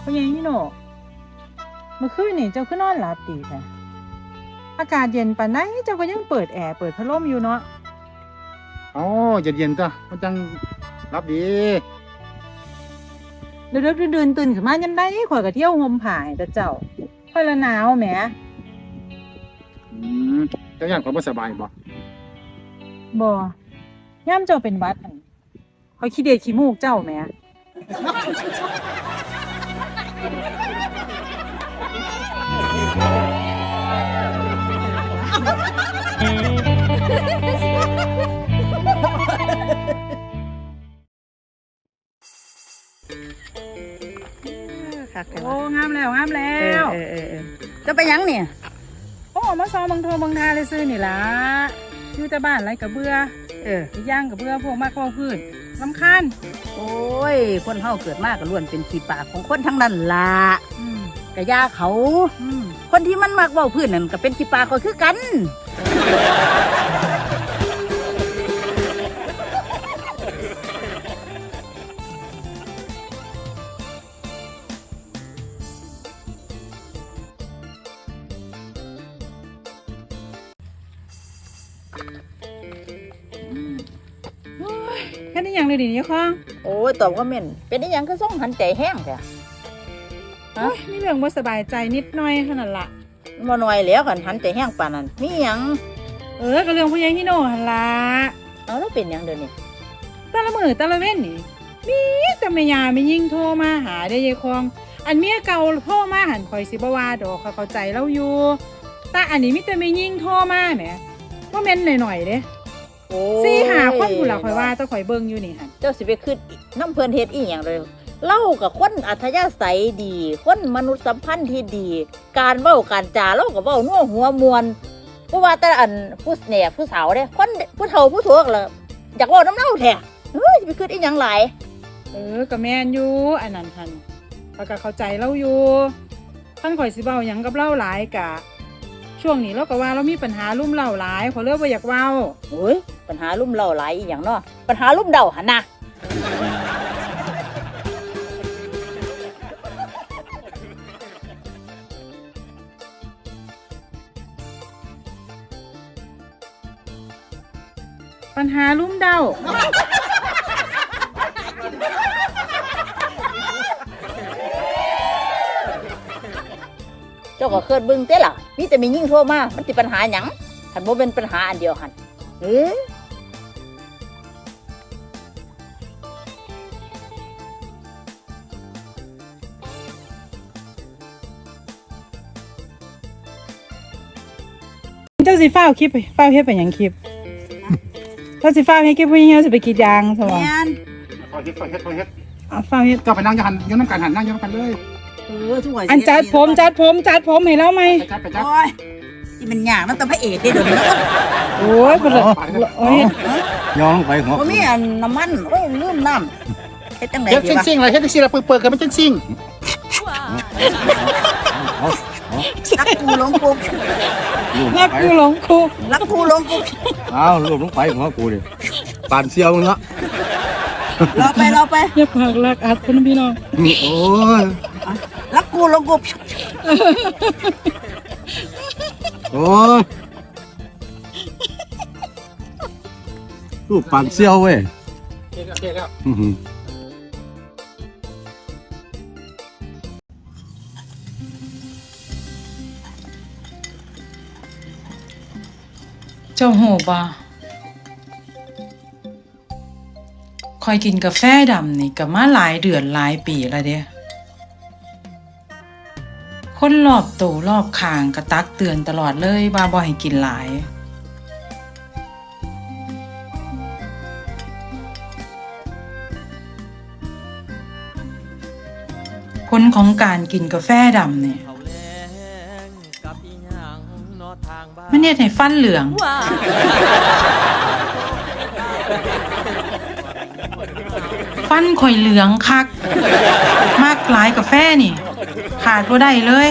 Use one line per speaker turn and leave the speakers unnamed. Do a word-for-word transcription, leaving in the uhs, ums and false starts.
พ่อใหญ่ฮิโนะเมื่อคืนนี่เจ้าคือนอนหลับดีแท้อากาศเย็นปานใดเจ้าก็ยังเปิดแอร์เปิดพัดลมอยู่เนาะ
อ๋อเย็นๆจ้ะมันจังรับดี
เดือดๆดื่นๆตื่นขึ้นมายามใดข่อยก็เที่ยวห่มผ้าให้แต่เจ้าข่อยละหนาวแหม
อืมเจ้าย่านความบ่สบายบ่
บ่ยามเจ้าเป็นหวัดหั่นข่อยขี้เดียดขี้มูกเจ้าแหมโอ้งามแล้วงามแล้ว
เออเออเออจะไปยังเนี่ย
โอ้มาซอมังโทมังทาเลยซื้อนี่ล่ะอยู่แต่บ้านไรกับเบื่อเอออีกอย่างกับเบื่อพวกมากเว้าพื้นรำคาญ
โอ้ยคนเฮาเกิดมากก็ล้วนเป็นขี้ปากของคนทั้งนั้นล่ะ
อืม
กะยาเขา
อืม
คนที่มันมักเว้าพื้นนั่นก็เป็นขี้ปากก็คือกัน
แค่นี้อย่างเลยดิเนี่ยค่ะ
โอ้ยตอบว่าเม่นเป็นได้ยังก็ส่งหันใจแห้งแท้
โอ้ยมีเรื่องบ่สบายใจนิดหน่อยขนาดละ
บ่น้อยแล้วกันหันใจแห้งปานนั้นมีหยัง
เออก็เรื่องพ่อใหญ่ฮิโนะหั่นล่ะ
เอาแล้วเป็นหยังเดี๋ยวนี้
แต่ละมื้อแต่ละเว้นนี่มีแต่แม่ย่าแม่ยิ่งโทรมาหาได้ยายคองอันเมียเก่าโทรมาหันข่อยสิบ่ว่าดอกเขาเข้าใจเราอยู่แต่อันนี้มีแต่แม่ยิ่งโทรมาแหมว่าแม่นหน่อยๆเด้สี่หาคนผู้ละข่อยว่าแต่ข่อยเบิ่งอยู่นี่หั่น
เจ้าสิไปขึ้นน้ำเพิ่นเฮ็ดอีหยังเลยเล่ากับคนอัธยาศัยดีคนมนุษยสัมพันธ์ที่ดีการเว้าการจาเล่ากับเว้านัวหัวมวนบ่ว่าแต่อันผู้เนี่ยผู้สาวเด้คนผู้เฒ่าผู้สูงล่ะอยากเว้านำเล่าแท้เฮ้ยสิไปขึ้นอีหยังหลาย
เออก็แม่นอยู่อันนั้นหั่นข้อยก็เข้าใจเราอยู่คันข่อยสิเว้าหยังกับเราหลายกะช่วงนี้เราก็ว่าเรามีปัญหาลุ่มเล่าหลายขอเลิกบ่อยากเว้า
โอ้ยปัญหาลุ่มเล่าหลายอีหยังเนาะปัญหาลุ่มเดาหั่นน่ะ
ปัญหาลุ่มเดา
เจ้าก็เคยเบิ่งเต้ล่ะมีแต่มียิ่งโทรมามันสิปัญหาหยังคันบ่เป็นปัญหาอันเดียวหั่นเอ้อ
เจ้าสิฟ้าวคลิปฟ้าวเฮ็ดเป็นหยังคลิปเจ้าสิฟ้าวเฮ็ดคลิปผู้หญิงเฮาสิไปกรีดยางซะบ่
แม่น
คอยเฮ็ดคอยเฮ็ดคอยเฮ็ด
อ่ะฟ้าวเฮ็ด
ก็ไปนั่งอยู่หั่นอยู่นำกันหั่นนั่งอยู่นำกันเลย
เออทุกวัน
อันจัดผมจัดผมจัดผมให้เราไหม
ไปจัดไปจัด
โอ้ยนี่มันยากมันต้องพระเอกเด้เดี๋ยวนี้
โอ้ยบ่โอ้ย
ย้อนลงไปหัว
บ่มีอันน้ำมันโอ้ยลืมน้ำเฮ็ดจังได๋
เฮ็ดซิ่งๆล่ะเฮ็ดซิ่งๆล่ะเปิดๆกันมันจังซิ่ง
รักกูหลงกู
รักกูหลงกู
รักกูหลงกู
อ้าวลูกลงไปหัวกูดิปานเสียวมึงละ
รอไปรอไป
อย่าพากรักอัดเพิ่นพี่น้อง
โอ้ย
รักกูหลงกู
โอ้ยลูกปานเสียวเว้ยเก่งแล้วเก่งแล้ว
เจ้าโหบ่คอยกินกาแฟดำนี่ก็มาหลายเดือนหลายปีแล้วเด้คนรอบตัวรอบข้างก็ตักเตือนตลอดเลยว่าบ่ให้กินหลายผลของการกินกาแฟดำนี่มันเฮ็ดให้ฟันเหลืองฟันข่อยเหลืองคักมากหลายกาแฟนี่ขาดบ่ได้เลย